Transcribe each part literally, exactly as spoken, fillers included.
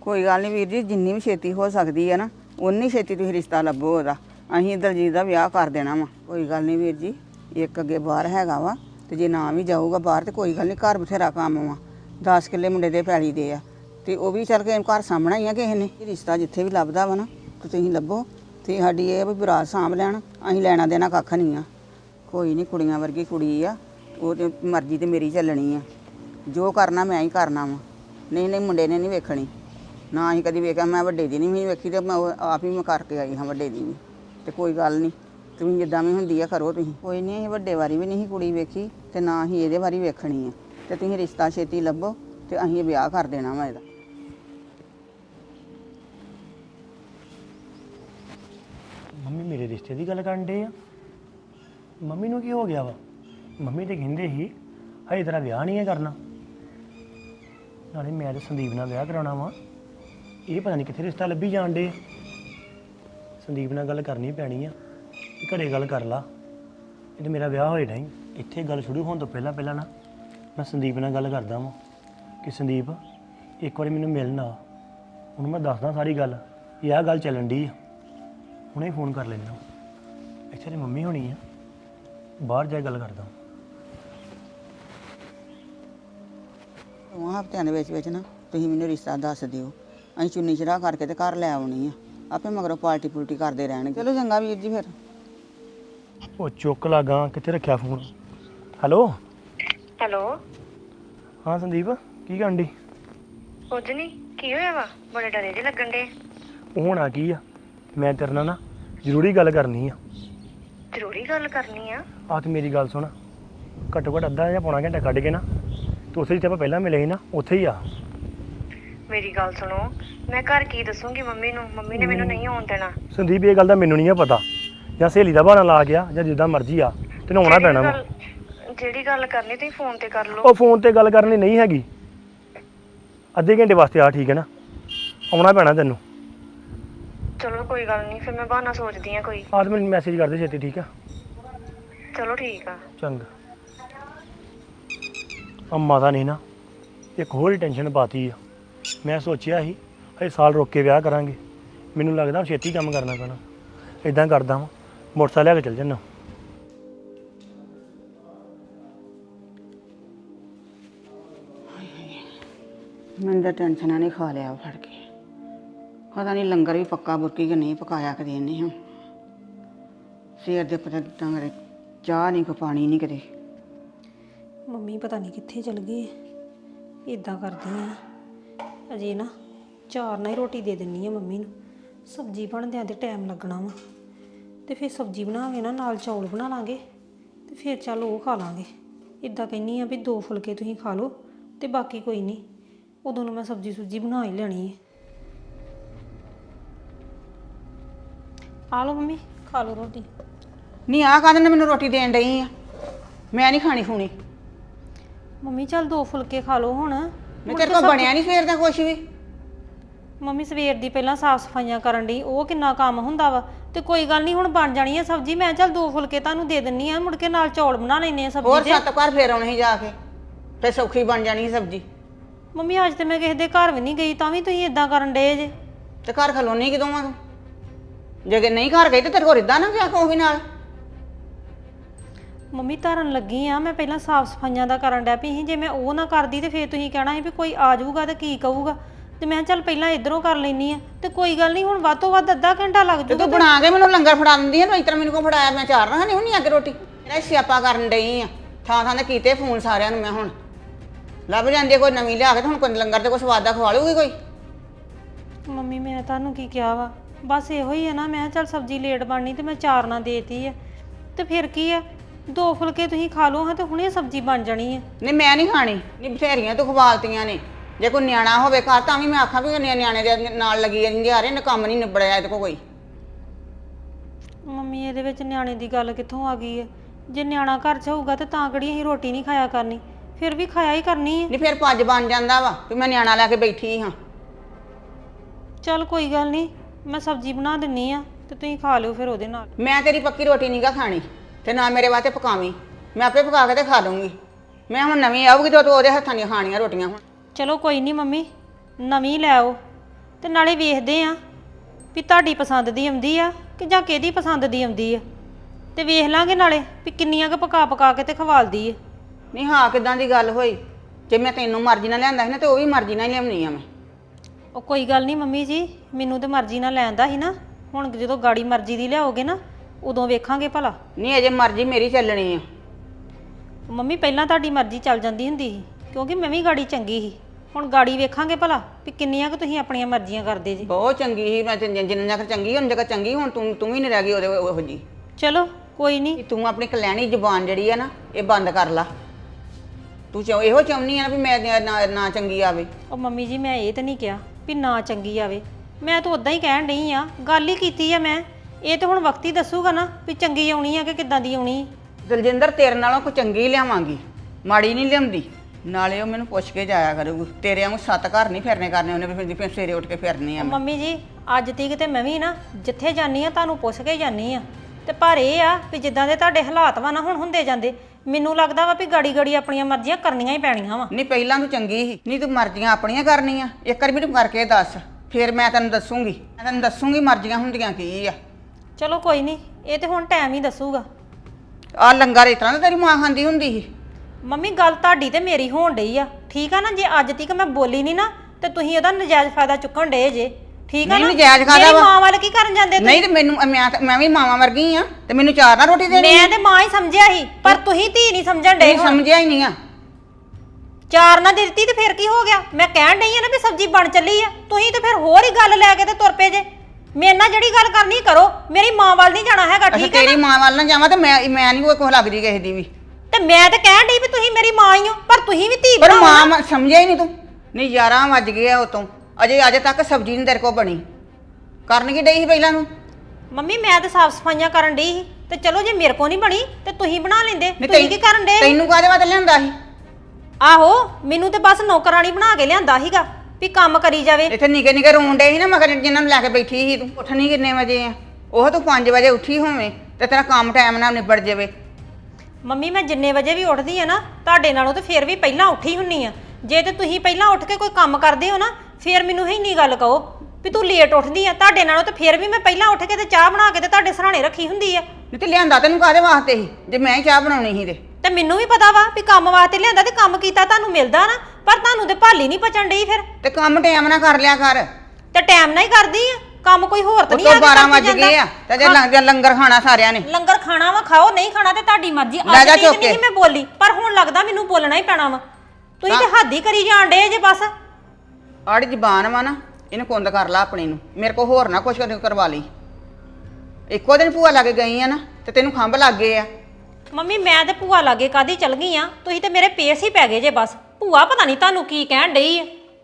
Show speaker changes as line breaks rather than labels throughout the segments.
कोई गल नहीं वीर जी, जिन्नी भी छेती हो सकती है ना उन्नी छेती तुसीं रिश्ता लभो ओहदा। असीं दलजीत दा विआह कर देना वा। कोई गल नहीं वीर जी, एक अगे बाहर हैगा वा ते जे ना भी जाऊगा बाहर ते कोई गल नहीं, घर बथेरा कम्म वा। दस किल्ले मुंडे दे पैली दे आ ते ओह भी चल के घर सामना ही आ किसे ने। रिश्ता जिथे भी लभदा वा ना ते तुसीं लभो ते साडी एह भी बरात सांभ लैण। असीं लैना देना कक्ख नहीं आ। कोई नहीं, कुड़ियां वर्गी कुड़ी आ, ओह ते मर्जी ते मेरी चलनी आ। जो करना मैं ही करना वा। नहीं नहीं मुंडे ने नहीं वेखणी ना। असीं कदी वेखिआ, मैं वड्डे दी नहीं वेखी ते मैं आप ही मैं करके आई हाँ वड्डे दी भी। ते कोई गल नहीं, तुसीं जिद्दां भी हुंदी आ करो तुसीं। कोई नहीं, असीं वड्डे वारी भी नहीं कुड़ी वेखी ते ना असीं एहदे वारी वेखणी आ। ते तुसीं रिश्ता छेती लभो ते असीं विआह कर देना वा एहदा।
ਮੰਮੀ ਮੇਰੇ ਰਿਸ਼ਤੇ ਦੀ ਗੱਲ ਕਰਨ ਡੇ ਆ। ਮੰਮੀ ਨੂੰ ਕੀ ਹੋ ਗਿਆ ਵਾ? ਮੰਮੀ ਤੇ ਕਹਿੰਦੇ ਸੀ ਹਜੇ ਤੇਰਾ ਵਿਆਹ ਨਹੀਂ ਹੈ ਕਰਨਾ। ਨਾਲੇ ਮੈਂ ਤੇ ਸੰਦੀਪ ਨਾਲ ਵਿਆਹ ਕਰਾਉਣਾ ਵਾ। ਇਹ ਪਤਾ ਨਹੀਂ ਕਿੱਥੇ ਰਿਸ਼ਤਾ ਲੱਭੀ ਜਾਣ ਡੇ। ਸੰਦੀਪ ਨਾਲ ਗੱਲ ਕਰਨੀ ਪੈਣੀ ਆ ਕਿ ਘਰੇ ਗੱਲ ਕਰ ਲਾ, ਇਹ ਤੇ ਮੇਰਾ ਵਿਆਹ ਹੋਏ ਨਹੀਂ। ਇੱਥੇ ਗੱਲ ਸ਼ੁਰੂ ਹੋਣ ਤੋਂ ਪਹਿਲਾਂ ਪਹਿਲਾਂ ਨਾ ਮੈਂ ਸੰਦੀਪ ਨਾਲ ਗੱਲ ਕਰਦਾ ਵਾਂ ਕਿ ਸੰਦੀਪ ਇੱਕ ਵਾਰੀ ਮੈਨੂੰ ਮਿਲਣ ਆ। ਉਹਨੂੰ ਮੈਂ ਦੱਸਦਾ ਸਾਰੀ ਗੱਲ, ਇਹ ਆਹ ਗੱਲ ਚੱਲਣ ਡਈ ਆ। ਹੁਣੇ ਫੋਨ ਕਰ ਲੈਂਦਾ। ਇੱਥੇ ਤੇ ਮੰਮੀ ਹੋਣੀ ਆ, ਬਾਹਰ ਜਾ ਕੇ ਗੱਲ ਕਰਦਾ।
ਦੋਵਾਂ ਹਫ਼ਤਿਆਂ ਦੇ ਵਿੱਚ ਵਿੱਚ ਨਾ ਤੁਸੀਂ ਮੈਨੂੰ ਰਿਸ਼ਤਾ ਦੱਸ ਦਿਓ। ਅਸੀਂ ਚੁੰਨੀ ਚੜਾ ਕਰਕੇ ਤੇ ਘਰ ਲੈ ਆਉਣੀ ਆ। ਆਪੇ ਮਗਰੋਂ ਪਾਰਟੀ ਪੁਲਟੀ ਕਰਦੇ ਰਹਿਣਗੇ। ਚਲੋ ਚੰਗਾ ਵੀਰ ਜੀ ਫਿਰ।
ਉਹ ਚੁੱਕ ਲਾਗਾ, ਕਿੱਥੇ ਰੱਖਿਆ ਫੋਨ? Hello
hello.
ਹਾਂ ਸੰਦੀਪ, ਕੀ ਕਰਨ ਡਈ?
ਕੁਝ ਨਹੀਂ, ਕੀ ਹੋਇਆ ਵਾ? ਬੜੇ ਡਰੇ ਜਿਹੇ ਲੱਗਣ ਡੇ।
ਉਹ ਹੋਣਾ ਕੀ ਆ, ਮੈਂ ਤੇਰੇ ਨਾਲ ਨਾ ਜ਼ਰੂਰੀ ਗੱਲ ਕਰਨੀ ਆ।
ਜ਼ਰੂਰੀ ਗੱਲ ਕਰਨੀ ਆ?
ਆ ਤੇ ਮੇਰੀ ਗੱਲ ਸੁਣ, ਘੱਟੋ ਘੱਟ ਅੱਧਾ ਜਾਂ ਪੌਣਾ ਘੰਟਾ ਕੱਢ ਕੇ ਨਾ ਤੂੰ ਉੱਥੇ ਜਿੱਥੇ ਆਪਾਂ ਪਹਿਲਾਂ ਮਿਲੇ ਸੀ ਨਾ ਉੱਥੇ ਹੀ ਆ।
ਮੇਰੀ ਗੱਲ ਸੁਣੋ, ਮੈਂ ਘਰ ਕੀ ਦੱਸੂਗੀ ਮੰਮੀ ਨੂੰ? ਮੰਮੀ ਨੇ ਮੈਨੂੰ ਨਹੀਂ ਆਉਣ ਦੇਣਾ।
ਸੰਦੀਪ ਇਹ ਗੱਲ ਦਾ ਮੈਨੂੰ ਨਹੀਂ ਪਤਾ, ਜਾਂ ਸਹੇਲੀ ਦਾ ਬਹਾਨਾ ਲਾ ਗਿਆ ਜਾਂ ਜਿੱਦਾਂ ਮਰਜ਼ੀ ਆ, ਤੈਨੂੰ ਆਉਣਾ ਪੈਣਾ ਵਾ।
ਜਿਹੜੀ ਗੱਲ ਕਰਨੀ ਤੁਸੀਂ ਫੋਨ ਤੇ ਕਰ ਲਓ।
ਉਹ ਫੋਨ ਤੇ ਗੱਲ ਕਰਨੀ ਨਹੀਂ ਹੈਗੀ, ਅੱਧੇ ਘੰਟੇ ਵਾਸਤੇ ਆ, ਠੀਕ ਹੈ ਨਾ? ਆਉਣਾ ਪੈਣਾ ਤੈਨੂੰ।
ਚਲੋ ਕੋਈ ਗੱਲ ਨਹੀਂ, ਫਿਰ ਮੈਂ ਬਹਾਨਾ ਸੋਚਦੀ ਆ ਕੋਈ।
ਆ ਤੇ ਮੈਨੂੰ ਮੈਸੇਜ ਕਰਦੇ ਛੇਤੀ, ਠੀਕ ਆ?
ਚਲੋ ਠੀਕ ਆ।
ਚੰਗਾ। ਆ ਮਾਤਾ ਨੇ ਨਾ ਇੱਕ ਹੋਰ ਹੀ ਟੈਨਸ਼ਨ ਪਾਤੀ ਆ। ਮੈਂ ਸੋਚਿਆ ਸੀ ਹਜੇ ਸਾਲ ਰੋਕ ਕੇ ਵਿਆਹ ਕਰਾਂਗੇ, ਮੈਨੂੰ ਲੱਗਦਾ ਛੇਤੀ ਕੰਮ ਕਰਨਾ ਪੈਣਾ। ਇਦਾਂ ਕਰਦਾ ਵਾਂ, ਮੋਟਰਸਾਈਕਲ ਲੈ ਕੇ ਚੱਲ ਜਾਂਦਾ।
ਮੈਨੂੰ ਤਾਂ ਟੈਨਸ਼ਨਾਂ ਨੇ ਖਾ ਲਿਆ ਫੜ ਕੇ। ਪਤਾ ਨਹੀਂ ਲੰਗਰ ਵੀ ਪੱਕਾ ਬੁਰਕੀ ਕਿ ਨਹੀਂ ਪਕਾਇਆ ਕਦੇ ਇਹਨੇ। ਹੁਣ ਸਵੇਰ ਦੇ ਪਤਾ ਡੰਗਰੇ ਚਾਹ ਨਹੀਂ ਕੋ ਪਾਣੀ ਨਹੀਂ ਕਦੇ।
ਮੰਮੀ ਪਤਾ ਨਹੀਂ ਕਿੱਥੇ ਚਲ ਗਏ। ਇਦਾਂ ਕਰਦੀ ਆ, ਅਜੇ ਨਾ ਚਾਰ ਨਾਲ ਹੀ ਰੋਟੀ ਦੇ ਦਿੰਨੀ ਆ ਮੰਮੀ ਨੂੰ। ਸਬਜ਼ੀ ਬਣਦਿਆਂ ਤੇ ਟਾਈਮ ਲੱਗਣਾ ਵਾ, ਤੇ ਫਿਰ ਸਬਜ਼ੀ ਬਣਾਵੇ ਨਾ ਨਾਲ ਚੌਲ ਬਣਾ ਲਾਂਗੇ ਤੇ ਫਿਰ ਚੱਲ ਉਹ ਖਾ ਲਾਂਗੇ। ਇਦਾਂ ਕਹਿੰਨੀ ਆ ਵੀ ਦੋ ਫੁਲਕੇ ਤੁਸੀਂ ਖਾ ਲਓ ਤੇ ਬਾਕੀ ਕੋਈ ਨਹੀਂ, ਉਦੋਂ ਨੂੰ ਮੈਂ ਸਬਜ਼ੀ ਸੁਬਜ਼ੀ ਬਣਾ ਹੀ ਲੈਣੀ ਹੈ। ਆ ਲਓ ਮੰਮੀ, ਖਾ ਲਓ ਰੋਟੀ।
ਨਹੀਂ ਆਹ ਕਾਹਦੇ ਨੇ ਮੈਨੂੰ ਰੋਟੀ ਦੇਣ ਡਈ ਆ? ਮੈਂ ਨਹੀਂ ਖਾਣੀ ਖੂਣੀ।
ਮੰਮੀ ਚੱਲ ਦੋ ਫੁਲਕੇ ਖਾ ਲਓ ਹੁਣ।
ਮੈਂ ਤੇਰੇ ਕੋਲ ਬਣਿਆ ਨਹੀਂ ਸਵੇਰ ਦਾ ਕੁਛ ਵੀ।
ਮੰਮੀ ਸਵੇਰ ਦੀ ਪਹਿਲਾਂ ਸਾਫ ਸਫਾਈਆਂ ਕਰਨ ਡਈ, ਉਹ ਕਿੰਨਾ ਕੰਮ ਹੁੰਦਾ ਵਾ। ਤੇ ਕੋਈ ਗੱਲ ਨਹੀਂ, ਹੁਣ ਬਣ ਜਾਣੀ ਹੈ ਸਬਜ਼ੀ। ਮੈਂ ਚੱਲ ਦੋ ਫੁਲਕੇ ਤੁਹਾਨੂੰ ਦੇ ਦਿੰਨੀ ਆ, ਮੁੜ ਕੇ ਨਾਲ ਚੌਲ ਬਣਾ ਲੈਨੇ ਆ ਸਬਜ਼ੀ
ਹੋਰ
ਦੇ।
ਸੱਤ ਘਰ ਫੇਰ ਆਉਣੇ ਸੀ ਜਾ ਕੇ, ਤੇ ਸੌਖੀ ਬਣ ਜਾਣੀ ਸੀ ਸਬਜ਼ੀ।
ਮੰਮੀ ਅੱਜ ਤੇ ਮੈਂ ਕਿਸੇ ਦੇ ਘਰ ਵੀ ਨਹੀਂ ਗਈ, ਤਾਂ ਵੀ ਤੁਸੀਂ ਇਦਾਂ ਕਰਨ ਡਏ ਜੇ।
ਤੇ ਘਰ ਖਲੋਣੀ ਕਿਦੋਂ ਆ ਤੂੰ? ਜੇ ਕਿ ਨਹੀਂ ਘਰ ਗਈ ਤੇ ਤੇਰੇ ਕੋਲ ਇਦਾਂ ਨਾ ਗਿਆ ਕੋਈ ਵੀ ਨਾਲ।
ਮੰਮੀ ਧਰਨ ਲੱਗੀ ਆ, ਮੈਂ ਪਹਿਲਾਂ ਸਾਫ ਸਫਾਈਆਂ ਦਾ ਕਰਨ ਡਿਆ ਪਈ ਸੀ। ਜੇ ਮੈਂ ਉਹ ਨਾ ਕਰਦੀ ਤੇ ਫੇਰ ਤੁਸੀਂ ਕਹਿਣਾ ਸੀ ਵੀ ਕੋਈ ਆ ਜਾਊਗਾ ਤੇ ਕੀ ਕਹੂਗਾ। ਤੇ ਮੈਂ ਚੱਲ ਪਹਿਲਾਂ ਇਧਰੋਂ ਕਰ ਲੈਣੀ ਆ, ਤੇ ਕੋਈ ਗੱਲ ਨਹੀਂ, ਹੁਣ ਵੱਧ ਤੋਂ ਵੱਧ ਅੱਧਾ ਘੰਟਾ ਲੱਗ
ਤੇ
ਜੂਗਾ।
ਤੂੰ ਬਣਾ ਕੇ ਮੈਨੂੰ ਲੰਗਰ ਫੜਾ ਦਿੰਦੀ ਆ ਨਾ, ਇਸ ਤਰ੍ਹਾਂ ਮੈਨੂੰ ਕੋ ਫੜਾਇਆ? ਮੈਂ ਚਾਰ ਨਾ ਨਹੀਂ ਹੁੰਨੀ ਅੱਗੇ ਰੋਟੀ। ਮੇਰਾ ਸਿਆਪਾ ਕਰਨ ਡਈ ਆ, ਥਾਂ ਥਾਂ ਦੇ ਕੀਤੇ ਫੋਨ ਸਾਰਿਆਂ ਨੂੰ। ਮੈਂ ਹੁਣ ਲੱਭ ਜਾਂਦੀ ਕੋਈ ਨਵੀਂ ਲਿਆ ਕੇ, ਤੇ ਹੁਣ ਕੋਈ ਲੰਗਰ ਤੇ ਕੋਈ ਸਵਾਦ ਦਾ ਖਵਾ ਲੂਗੀ ਕੋਈ।
ਮੰਮੀ ਮੈਂ ਤੁਹਾਨੂੰ ਕੀ ਕਿਹਾ ਵਾ, ਬਸ ਇਹੋ ਹੀ ਆ ਨਾ। ਮੈਂ ਚੱਲ ਸਬਜ਼ੀ ਲੇਟ ਬਣਨੀ ਤੇ ਮੈਂ ਚਾਰ ਨਾ ਦੇਤੀ ਆ, ਤੇ ਫਿਰ ਕੀ ਆ, ਦੋ ਫੁਲਕੇ ਤੁਸੀਂ ਖਾ ਲਓ ਹਾਂ ਤੇ ਹੁਣੇ ਸਬਜ਼ੀ ਬਣ ਜਾਣੀ ਆ।
ਨਹੀਂ ਮੈਂ ਨਹੀਂ ਖਾਣੀ। ਨਹੀਂ ਬਥੇਰੀਆਂ ਤੂੰ ਖਵਾਲਤੀਆਂ ਨੇ। ਜੇ ਕੋਈ ਨਿਆਣਾ ਹੋਵੇ ਘਰ ਤਾਂ ਵੀ ਮੈਂ ਆਖਾਂ ਵੀ ਨਿਆਣੇ ਦੇ ਨਾਲ ਲੱਗੀ ਜਾਂਦੀ ਆ ਰਹੇ ਨੇ, ਕੰਮ ਨਹੀਂ ਨਿਬੜਿਆ ਇਹਦੇ ਕੋਲ ਕੋਈ।
ਮੰਮੀ ਇਹਦੇ ਵਿੱਚ ਨਿਆਣੇ ਦੀ ਗੱਲ ਕਿੱਥੋਂ ਆ ਗਈ ਹੈ? ਜੇ ਨਿਆਣਾ ਘਰ 'ਚ ਹੋਊਗਾ ਤੇ ਤਾਂ ਕਿਹੜੀ ਅਸੀਂ ਰੋਟੀ ਨਹੀਂ ਖਾਇਆ ਕਰਨੀ? ਫਿਰ ਵੀ ਖਾਇਆ ਹੀ ਕਰਨੀ ਹੈ।
ਨਹੀਂ ਫਿਰ ਪੱਜ ਬਣ ਜਾਂਦਾ ਵਾ ਵੀ ਮੈਂ ਨਿਆਣਾ ਲੈ ਕੇ ਬੈਠੀ ਹਾਂ।
ਚੱਲ ਕੋਈ ਗੱਲ ਨਹੀਂ, ਮੈਂ ਸਬਜ਼ੀ ਬਣਾ ਦਿੰਨੀ ਆ ਤੇ ਤੁਸੀਂ ਖਾ ਲਿਓ ਫਿਰ ਉਹਦੇ ਨਾਲ।
ਮੈਂ ਤੇਰੀ ਪੱਕੀ ਰੋਟੀ ਨਹੀਂ ਗਾ ਖਾਣੀ, ਤੇ ਨਾ ਮੇਰੇ ਵਾਸਤੇ ਪਕਾਵੀਂ। ਮੈਂ ਆਪੇ ਪਕਾ ਕੇ ਤੇ ਖਾ ਲੂੰਗੀ। ਮੈਂ ਹੁਣ ਨਵੀਂ ਆਊਗੀ ਤਾਂ ਤੂੰ ਉਹਦੇ ਹੱਥਾਂ ਦੀਆਂ ਖਾਣੀਆਂ ਰੋਟੀਆਂ ਹੁਣ।
ਚਲੋ ਕੋਈ ਨਹੀਂ ਮੰਮੀ, ਨਵੀਂ ਲੈ ਆਓ। ਤੇ ਨਾਲੇ ਵੇਖਦੇ ਆ ਵੀ ਤੁਹਾਡੀ ਪਸੰਦ ਦੀ ਆਉਂਦੀ ਆ ਕਿ ਜਾਂ ਕਿਹਦੀ ਪਸੰਦ ਦੀ ਆਉਂਦੀ ਆ, ਤੇ ਵੇਖ ਲਾਂਗੇ ਨਾਲੇ ਵੀ ਕਿੰਨੀਆਂ ਕੁ ਪਕਾ ਪਕਾ ਕੇ ਤੇ ਖਵਾਲਦੀ ਆ।
ਨਹੀਂ ਹਾਂ ਕਿਦਾਂ ਦੀ ਗੱਲ ਹੋਈ? ਜੇ ਮੈਂ ਤੈਨੂੰ ਮਰਜ਼ੀ ਨਾਲ ਲਿਆਂਦਾ ਸੀ ਨਾ ਤੇ ਉਹ ਵੀ ਮਰਜ਼ੀ ਨਾਲ ਹੀ ਲਿਆਉਣੀ ਆ ਮੈਂ।
ਉਹ ਕੋਈ ਗੱਲ ਨਹੀਂ ਮੰਮੀ ਜੀ, ਮੈਨੂੰ ਤੇ ਮਰਜ਼ੀ ਨਾਲ ਲੈਂਦਾ ਸੀ ਨਾ, ਹੁਣ ਜਦੋਂ ਗਾੜੀ ਮਰਜ਼ੀ ਦੀ ਲਿਆਓਗੇ ਨਾ ਉਦੋਂ ਵੇਖਾਂਗੇ ਭਲਾ।
ਨਹੀਂ ਅਜੇ ਮਰਜ਼ੀ ਮੇਰੀ ਚੱਲਣੀ ਆ।
ਮੰਮੀ ਪਹਿਲਾਂ ਤੁਹਾਡੀ ਮਰਜ਼ੀ ਚੱਲ ਜਾਂਦੀ ਹੁੰਦੀ ਸੀ ਕਿਉਂਕਿ ਮੈਂ ਵੀ ਗਾੜੀ ਚੰਗੀ ਸੀ, ਹੁਣ ਗਾੜੀ ਵੇਖਾਂਗੇ ਭਲਾ ਵੀ ਕਿੰਨੀਆਂ ਕੁ ਤੁਸੀਂ ਆਪਣੀਆਂ ਮਰਜ਼ੀਆਂ ਕਰਦੇ ਜੀ।
ਬਹੁਤ ਚੰਗੀ ਸੀ ਮੈਂ, ਤੇ ਜਿੰਨਾ ਚਿਰ ਚੰਗੀ ਉਹਨਾਂ ਜਗ੍ਹਾ ਚੰਗੀ, ਹੁਣ ਤੂੰ ਤੂੰ ਵੀ ਨਹੀਂ ਰਹਿ ਗਈ ਉਹਦੇ ਉਹੋ ਜੀ।
ਚਲੋ ਕੋਈ ਨਹੀਂ।
ਤੂੰ ਆਪਣੀ ਕਲਿਆਣੀ ਜ਼ੁਬਾਨ ਜਿਹੜੀ ਆ ਨਾ ਇਹ ਬੰਦ ਕਰ ਲਾ। ਤੂੰ ਚਾਹ ਇਹੋ ਚਾਹੁੰਦੀ ਆ ਨਾ ਵੀ ਮੈਂ ਨਾ ਨਾ ਚੰਗੀ ਆਵੇ।
ਉਹ ਮੰਮੀ ਜੀ ਮੈਂ ਇਹ ਤਾਂ ਨਹੀਂ ਕਿਹਾ ਵੀ ਨਾ ਚੰਗੀ ਆਵੇ, ਮੈਂ ਤਾਂ ਉਦਾਂ ਹੀ ਕਹਿਣ ਡਈ ਆ, ਗੱਲ ਹੀ ਕੀਤੀ ਆ ਮੈਂ। ਇਹ ਤਾਂ ਹੁਣ ਵਕਤ ਹੀ ਦੱਸੂਗਾ ਨਾ ਵੀ ਚੰਗੀ ਆਉਣੀ ਆ ਕਿ ਕਿੱਦਾਂ ਦੀ ਆਉਣੀ।
ਦਲਜਿੰਦਰ ਤੇਰੇ ਨਾਲੋਂ ਕੋਈ ਚੰਗੀ ਲਿਆਵਾਂਗੀ, ਮਾੜੀ ਨਹੀਂ ਲਿਆਉਂਦੀ। ਨਾਲੇ ਉਹ ਮੈਨੂੰ ਪੁੱਛ ਕੇ ਜਾਇਆ ਕਰੂਗੀ, ਤੇਰੇ ਵਾਂਗੂ ਸੱਤ ਘਰ ਨਹੀਂ ਫਿਰਨੇ ਕਰਨੇ ਉਹਨੇ, ਵੀ ਫਿਰ ਸਵੇਰੇ ਉੱਠ ਕੇ ਫਿਰਨੀ ਆ ਮੈਂ।
ਮੰਮੀ ਜੀ ਅੱਜ ਤੀਕ ਤੇ ਮੈਂ ਵੀ ਨਾ ਜਿੱਥੇ ਜਾਨੀ ਆ ਤੁਹਾਨੂੰ ਪੁੱਛ ਕੇ ਜਾਨੀ ਆ, ਤੇ ਪਰ ਇਹ ਆ ਵੀ ਜਿੱਦਾਂ ਦੇ ਤੁਹਾਡੇ ਹਾਲਾਤ ਵਾ ਨਾ ਹੁਣ ਹੁੰਦੇ ਜਾਂਦੇ, ਮੈਨੂੰ ਲੱਗਦਾ ਵਾ ਵੀ ਗਾੜੀ ਗਾੜੀ ਆਪਣੀਆਂ ਮਰਜ਼ੀਆਂ ਕਰਨੀਆਂ ਹੀ ਪੈਣੀਆਂ ਵਾ।
ਨਹੀਂ ਪਹਿਲਾਂ ਤੂੰ ਚੰਗੀ ਸੀ, ਨਹੀਂ ਤੂੰ ਮਰਜ਼ੀਆਂ ਆਪਣੀਆਂ ਕਰਨੀਆਂ। ਇੱਕ ਵਾਰ ਵੀ ਤੂੰ ਕਰਕੇ ਦੱਸ, ਫਿਰ ਮੈਂ ਤੈਨੂੰ ਦੱਸੂਗੀ, ਮੈਂ ਤੈਨੂੰ ਦੱਸੂਗੀ ਮਰਜ਼ੀਆਂ ਹੁੰਦੀਆਂ ਕੀ ਆ।
ਚਲੋ ਕੋਈ ਨਹੀਂ, ਇਹ ਤੇ ਹੁਣ ਟਾਈਮ ਹੀ ਦੱਸੂਗਾ।
ਆ ਲੰਗਰ ਇਸ ਤਰ੍ਹਾਂ ਦਾ ਤੇਰੀ ਮਾਂ ਖਾਂਦੀ ਹੁੰਦੀ ਸੀ।
ਮੰਮੀ ਗੱਲ ਤੁਹਾਡੀ ਤੇ ਮੇਰੀ ਹੋਣ ਡਈ ਆ, ਠੀਕ ਆ ਨਾ। ਜੇ ਅੱਜ ਤੀਕ ਮੈਂ ਬੋਲੀ ਨਹੀਂ ਨਾ ਤੇ ਤੁਸੀਂ ਉਹਦਾ ਨਜਾਇਜ਼ ਫਾਇਦਾ ਚੁੱਕਣ ਡੇ ਜੇ, ਠੀਕ ਆ ਨਾ।
ਨਹੀਂ ਨਜਾਇਜ਼ ਕਾਹਦਾ
ਮੇਰੀ
ਵਾ?
ਮਾਂ ਵੱਲ ਕੀ ਕਰਨ ਜਾਂਦੇ ਤੁਸੀਂ?
ਨਹੀਂ ਤੇ ਮੈਨੂੰ ਮੈਂ ਤਾਂ- ਮੈਂ ਵੀ ਮਾਵਾਂ ਵਰਗੀ ਆ, ਤੇ ਮੈਨੂੰ ਚਾਰ ਨਾਲ ਰੋਟੀ ਦੇਣੀ।
ਮੈਂ ਤੇ ਮਾਂ ਹੀ ਸਮਝਿਆ ਸੀ, ਪਰ ਤੁਸੀਂ ਧੀ ਨਹੀਂ ਸਮਝਣ ਡੇ।
ਤੂੰ ਸਮਝਿਆ ਹੀ ਨਹੀਂ ਆ।
ਚਾਰ ਨਾ ਦੇ ਦਿੱਤੀ ਤੇ ਫਿਰ ਕੀ ਹੋ ਗਿਆ? ਮੈਂ ਕਹਿਣ ਡਈ ਆ ਨਾ ਵੀ ਸਬਜ਼ੀ ਬਣ ਚੱਲੀ ਆ, ਤੁਸੀਂ ਤੇ ਫਿਰ ਹੋਰ ਹੀ ਗੱਲ ਲੈ ਕੇ ਤੇ ਤੁਰ ਪਏ ਜੇ। ਮੇਰੇ ਨਾਲ ਜਿਹੜੀ ਗੱਲ ਕਰਨੀ ਕਰੋ, ਮੇਰੀ ਮਾਂ ਵੱਲ ਨਹੀਂ ਜਾਣਾ ਹੈਗਾ,
ਅੱਛਾ
ਠੀਕ ਹੈ
ਤੇਰੀ
ਨਾ।
ਮਾਂ ਵੱਲ ਨਾ ਜਾਵਾਂ ਤੇ ਮੈਂ ਮੈਂ ਨਹੀਂ ਕੋਈ ਕੁਛ ਲੱਗਦੀ ਕਿਸੇ ਦੀ ਵੀ।
ਤੇ ਮੈਂ ਤੇ ਕਹਿਣ ਡਈ ਵੀ ਤੁਸੀਂ ਮੇਰੀ ਮਾਂ ਹੀ ਹੋ, ਪਰ ਤੁਸੀਂ ਵੀ ਧੀ
ਪਰ
ਬਣਾਓ ਨਾ।
ਮਾਂ ਸਮਝਿਆ ਹੀ ਨਹੀਂ ਤੂੰ। ਨਹੀਂ ਗਿਆਰਾਂ ਵੱਜ ਗਏ ਆ ਉਤੋਂ, ਅਜੇ ਅਜੇ ਤੱਕ ਸਬਜ਼ੀ ਨਹੀਂ ਤੇਰੇ ਕੋਲ ਬਣੀ। ਕਰਨ ਕੀ ਡਈ ਸੀ ਪਹਿਲਾਂ ਨੂੰ?
ਮੰਮੀ ਮੈਂ ਤੇ ਸਾਫ ਸਫਾਈਆਂ ਕਰਨ ਡਈ ਸੀ, ਤੇ ਚਲੋ ਜੇ ਮੇਰੇ ਕੋ ਨਹੀਂ ਬਣੀ ਤੇ ਤੁਸੀਂ ਬਣਾ ਲੈਂਦੇ।
ਨਹੀਂ
ਤੁਸੀਂ ਕੀ ਕਰਨ ਡੇ?
ਤੈਨੂੰ ਕਾਹਦੇ ਵਾਸਤੇ ਲਿਆਂਦਾ ਸੀ?
ਆਹੋ ਮੈਨੂੰ ਤੇ ਬਸ ਨੌਕਰਾਨੀ ਬਣਾ ਕੇ ਲਿਆਂਦਾ ਸੀਗਾ ਵੀ ਕੰਮ ਕਰੀ ਜਾਵੇ।
ਇੱਥੇ ਨਿੱਕੇ ਨਿੱਕੇ ਰੋਣ ਡੇ ਸੀ ਨਾ ਮਗਰ ਜਿਨ੍ਹਾਂ ਨੂੰ ਲੈ ਕੇ ਬੈਠੀ ਸੀ ਤੂੰ। ਉੱਠਣੀ ਕਿੰਨੇ ਵਜੇ ਆ? ਉਹ ਤੂੰ ਪੰਜ ਵਜੇ ਉੱਠੀ ਹੋਵੇਂ ਤੇ ਤੇਰਾ ਕੰਮ ਟਾਈਮ ਨਾਲ ਨਿਬੜ ਜਾਵੇ।
ਮੰਮੀ ਮੈਂ ਜਿੰਨੇ ਵਜੇ ਵੀ ਉੱਠਦੀ ਆ ਨਾ ਤੁਹਾਡੇ ਨਾਲੋਂ ਤੇ ਫੇਰ ਵੀ ਪਹਿਲਾਂ ਉੱਠੀ ਹੁੰਨੀ ਆ। ਜੇ ਤੇ ਤੁਸੀਂ ਪਹਿਲਾਂ ਉੱਠ ਕੇ ਕੋਈ ਕੰਮ ਕਰਦੇ ਹੋ ਨਾ ਫੇਰ ਮੈਨੂੰ ਇੰਨੀ ਗੱਲ ਕਹੋ ਵੀ ਤੂੰ ਲੇਟ ਉੱਠਦੀ ਆ। ਤੁਹਾਡੇ ਨਾਲੋਂ ਤੇ ਫੇਰ ਵੀ ਮੈਂ ਪਹਿਲਾਂ ਉੱਠ ਕੇ ਤੇ ਚਾਹ ਬਣਾ ਕੇ ਤੇ ਤੁਹਾਡੇ ਸਰਾਣੇ ਰੱਖੀ ਹੁੰਦੀ ਆ।
ਨਹੀਂ ਤੇ ਲਿਆਂਦਾ ਤੈਨੂੰ ਕਾਹਦੇ ਵਾਸਤੇ ਸੀ ਜੇ ਮੈਂ ਹੀ ਚਾਹ ਬਣਾਉਣੀ ਸੀ ਤੇ?
ਤੇ ਮੈਨੂੰ ਵੀ ਪਤਾ ਵਾ ਵੀ ਕੰਮ ਵਾਸਤੇ ਲਿਆਂਦਾ, ਤੇ ਕੰਮ ਕੀਤਾ ਤੁਹਾਨੂੰ ਮਿਲਦਾ ਨਾ, ਪਰ ਤੁਹਾਨੂੰ ਤੇ ਭਾਲੀ ਨਹੀਂ ਪਚਣ ਡਈ ਫਿਰ।
ਤੇ ਕੰਮ ਟਾਈਮ ਨਾਲ ਕਰ ਲਿਆ ਕਰ।
ਤੇ ਟਾਈਮ ਨਾਲ ਹੀ ਕਰਦੀ ਆ ਕੰਮ, ਕੋਈ ਹੋਰ ਤਾਂ ਨਹੀਂ
ਉੱਤੋਂ
ਆ ਕੇ
ਬਾਰਾਂ
ਕਰਕੇ
ਵੱਜ ਗਏ ਆ
ਜਾਂਦਾ।
ਤੇ ਜੇ ਲੰਗਰ ਲੰਗਰ ਖਾਣਾ ਸਾਰਿਆਂ ਨੇ।
ਲੰਗਰ ਖਾਣਾ ਵਾ ਖਾਓ, ਨਹੀਂ ਖਾਣਾ ਤੇ ਤੁਹਾਡੀ ਮਰਜ਼ੀ।
ਲੈ ਜਾ
ਅੱਜ
ਚੁੱਕ
ਤੀਕ ਨਹੀਂ
ਕੇ।
ਮੈਂ ਬੋਲੀ, ਪਰ ਹੁਣ ਲੱਗਦਾ ਮੈਨੂੰ ਬੋਲਣਾ ਹੀ ਪੈਣਾ ਵਾ। ਤੁਸੀਂ ਤੇ ਹੱਦ ਹੀ ਕਰੀ ਜਾਣ ਡੇ ਜੇ ਬਸ।
ਆੜੀ ਜ਼ਬਾਨ ਵਾ ਨਾ ਇਹਨੂੰ ਕੁੰਦ ਕਰ ਲਾ ਆਪਣੀ ਨੂੰ, ਮੇਰੇ ਕੋ ਹੋਰ ਨਾ ਕੁਛ ਕਰਵਾ ਲਈ। ਇੱਕੋ ਦਿਨ ਭੂਆ ਲੱਗ ਗਈ ਆ ਨਾ ਤੇ ਤੈਨੂੰ ਖੰਭ ਲੱਗ ਗਏ ਆ।
ਮੰਮੀ ਮੈਂ ਤੇ ਭੂਆ ਲਾਗੇ ਕਾਦੀ ਚਲ ਗਈ ਆ, ਤੁਸੀਂ ਤੇ ਮੇਰੇ ਪੇਸ ਹੀ ਪੈ ਗਏ ਜੇ ਬਸ। ਭੂਆ ਪਤਾ ਨਹੀਂ ਤੁਹਾਨੂੰ ਕੀ ਕਹਿਣ ਡਈ ਆ।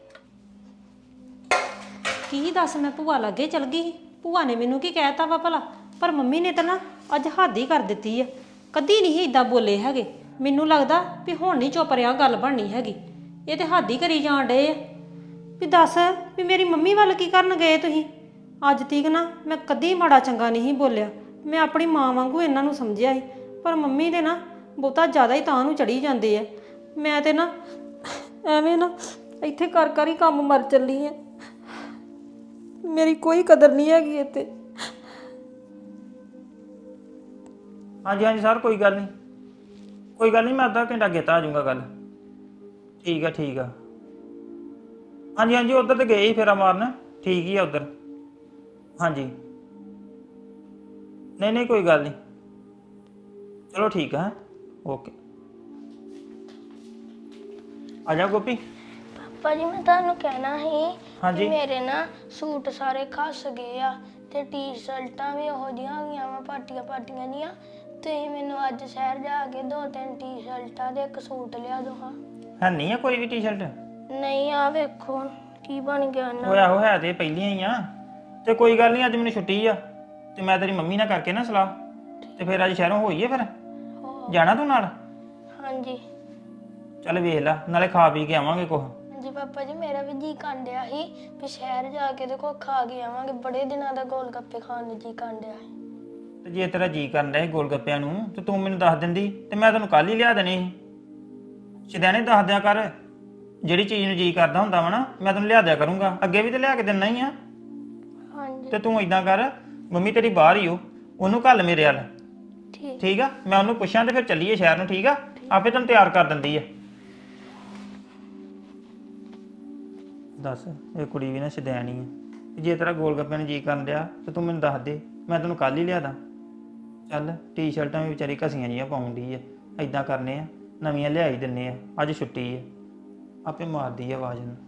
ਕੀ ਦੱਸ ਮੈਂ ਭੂਆ ਲਾਗੇ ਚਲ ਗਈ? ਭੂਆ ਨੇ ਮੈਨੂੰ ਕੀ ਕਹਿਤਾ ਵਾ ਭਲਾ? ਪਰ ਮੰਮੀ ਨੇ ਤਾਂ ਨਾ ਅੱਜ ਹੱਦ ਹੀ ਕਰ ਦਿੱਤੀ ਆ, ਕਦੀ ਨਹੀਂ ਇਦਾਂ ਬੋਲੇ ਹੈਗੇ। ਮੈਨੂੰ ਲੱਗਦਾ ਵੀ ਹੁਣ ਨਹੀਂ ਚੁੱਪ ਰਿਹਾ ਗੱਲ ਬਣਨੀ ਹੈਗੀ। ਇਹ ਤੇ ਹੱਦ ਹੀ ਕਰੀ ਜਾਣ ਡਏ ਆ ਵੀ ਦੱਸ ਵੀ ਮੇਰੀ ਮੰਮੀ ਵੱਲ ਕੀ ਕਰਨ ਗਏ ਤੁਸੀਂ? ਅੱਜ ਤੀਕ ਨਾ ਮੈਂ ਕਦੀ ਮਾੜਾ ਚੰਗਾ ਨਹੀਂ ਬੋਲਿਆ, ਮੈਂ ਆਪਣੀ ਮਾਂ ਵਾਂਗੂ ਇਹਨਾਂ ਨੂੰ ਸਮਝਿਆ ਸੀ। ਪਰ ਮੰਮੀ ਦੇ ਨਾ ਬਹੁਤਾ ਜ਼ਿਆਦਾ ਹੀ ਤਾਂ ਨੂੰ ਚੜੀ ਜਾਂਦੇ ਆ। ਮੈਂ ਤੇ ਨਾ ਐਵੇਂ ਨਾ ਇੱਥੇ ਕਰ ਕਰ ਹੀ ਕੰਮ ਮਰ ਚੱਲੀ ਆ, ਮੇਰੀ ਕੋਈ ਕਦਰ ਨਹੀਂ ਹੈਗੀ ਇੱਥੇ।
ਹਾਂਜੀ ਹਾਂਜੀ ਸਰ ਕੋਈ ਗੱਲ ਨਹੀਂ, ਕੋਈ ਗੱਲ ਨਹੀਂ, ਮੈਂ ਅੱਧਾ ਘੰਟਾ ਅੱਗੇ ਤਾਂ ਆ ਜਾਊਂਗਾ ਗੱਲ। ਠੀਕ ਆ ਠੀਕ ਆ। ਹਾਂਜੀ ਹਾਂਜੀ ਉੱਧਰ ਤੇ ਗਏ ਹੀ ਫੇਰਾ ਮਾਰਨ, ਠੀਕ ਹੀ ਆ ਉੱਧਰ। ਹਾਂਜੀ ਨਹੀਂ ਨਹੀਂ ਕੋਈ ਗੱਲ ਨਹੀਂ, ਚਲੋ ਠੀਕ ਆ। ਓਕੇ ਆ ਜਾ ਗੋਪੀ।
ਪਾਪਾ ਜੀ ਮੈਂ ਤੁਹਾਨੂੰ ਕਹਿਣਾ ਸੀ
ਹਾਂਜੀ।
ਕਿ ਮੇਰੇ ਨਾ ਸੂਟ ਸਾਰੇ ਖਸ ਗਏ ਆ ਤੇ ਟੀ-ਸ਼ਰਟਾਂ ਵੀ ਉਹੋ ਜਿਹੀਆਂ ਹੋ ਗਈਆਂ ਵਾ ਪਾਟੀਆਂ ਪਾਟੀਆਂ ਜੀਆਂ। ਤੁਸੀਂ ਮੈਨੂੰ ਅੱਜ ਸ਼ਹਿਰ ਜਾ ਕੇ ਦੋ ਤਿੰਨ ਟੀ-ਸ਼ਰਟਾਂ ਤੇ ਇੱਕ ਸੂਟ ਲਿਆ ਦੋ ਹਾਂ।
ਹੈ ਨਹੀਂ ਆ ਕੋਈ ਵੀ ਟੀ-ਸ਼ਰਟ?
ਨਹੀਂ ਆ ਵੇਖੋ ਕੀ ਬਣ ਗਿਆ ਨਾ।
ਉਹ ਆਹੋ ਹੈ ਤੇ ਪਹਿਲੀਆਂ ਹੀ ਆ। ਤੇ ਕੋਈ ਗੱਲ ਨਹੀਂ, ਅੱਜ ਮੈਨੂੰ ਛੁੱਟੀ ਆ ਤੇ ਮੈਂ ਤੇਰੀ ਮੰਮੀ ਨਾਲ ਕਰਕੇ ਨਾ ਸਲਾਹ ਤੇ ਫਿਰ ਅੱਜ ਸ਼ਹਿਰੋਂ ਹੋਈਏ। ਫਿਰ ਜਾਣਾ ਤੂੰ ਨਾਲ?
ਹਾਂਜੀ
ਚੱਲ ਵੇਖ ਲੈ, ਨਾਲੇ ਖਾ ਪੀ ਕੇ ਆਵਾਂਗੇ ਕੁਛ।
ਹਾਂਜੀ ਪਾਪਾ ਜੀ ਮੇਰਾ ਵੀ ਜੀ ਕਾਂਡਿਆ ਸੀ ਵੀ ਸ਼ਹਿਰ ਜਾ ਕੇ ਦੇਖੋ ਖਾ ਕੇ ਆਵਾਂਗੇ। ਬੜੇ ਦਿਨਾਂ ਦਾ ਗੋਲ ਗੱਪੇ ਖਾਣ ਨੂੰ ਜੀ ਕਾਂਡਿਆ ਸੀ।
ਤੇ ਜੇ ਤੇਰਾ ਜੀ ਕਰਨ ਡਿਆ ਸੀ ਗੋਲ ਗੱਪਿਆਂ ਨੂੰ ਤੇ ਤੂੰ ਮੈਨੂੰ ਦੱਸ ਦਿੰਦੀ ਤੇ ਮੈਂ ਤੈਨੂੰ ਕੱਲ ਹੀ ਲਿਆ ਦੇਣੇ ਸੀ। ਸਿਧਿਆਣੇ ਦੱਸ ਦਿਆ ਕਰ, ਜਿਹੜੀ ਚੀਜ਼ ਨੂੰ ਜੀ ਕਰਦਾ ਹੁੰਦਾ ਵਾ ਨਾ ਮੈਂ ਤੈਨੂੰ ਲਿਆ ਦਿਆ ਕਰੂੰਗਾ, ਅੱਗੇ ਵੀ ਤੇ ਲਿਆ ਕੇ ਦਿੰਨਾ ਹੀ ਆ।
ਹਾਂਜੀ
ਤੇ ਤੂੰ ਇਦਾਂ ਕਰ, ਮੰਮੀ ਤੇਰੀ ਬਾਹਰ ਹੀ ਹੋ, ਉਹਨੂੰ ਘੱਲ ਮੇਰੇ ਵੱਲ,
ਠੀਕ
ਠੀਕ ਆ? ਮੈਂ ਉਹਨੂੰ ਪੁੱਛਾਂ ਤੇ ਫਿਰ ਚੱਲੀਏ ਸ਼ਹਿਰ ਨੂੰ, ਠੀਕ ਆ? ਆਪੇ ਤੈਨੂੰ ਤਿਆਰ ਕਰ ਦਿੰਦੀ ਆ। ਦੱਸ, ਇਹ ਕੁੜੀ ਵੀ ਨਾ ਸ਼ਦੈਣ ਹੀ ਆ। ਜੇ ਤੇਰਾ ਗੋਲ ਗੱਪੇ ਨੂੰ ਜੀ ਕਰਨ ਡਿਆ ਤੇ ਤੂੰ ਮੈਨੂੰ ਦੱਸ ਦੇ, ਮੈਂ ਤੈਨੂੰ ਕੱਲ ਹੀ ਲਿਆ ਦਾਂ। ਚੱਲ ਟੀ-ਸ਼ਰਟਾਂ ਵੀ ਵਿਚਾਰੀ ਘਸੀਆਂ ਜੀਆਂ ਪਾਉਣ ਡਈ ਆ, ਇਦਾਂ ਕਰਨੇ ਆ ਨਵੀਆਂ ਲਿਆ ਹੀ ਦਿੰਨੇ ਆ, ਅੱਜ ਛੁੱਟੀ ਆ, ਆਪੇ ਮਾਰਦੀ ਆ ਆਵਾਜ਼ ਨੂੰ।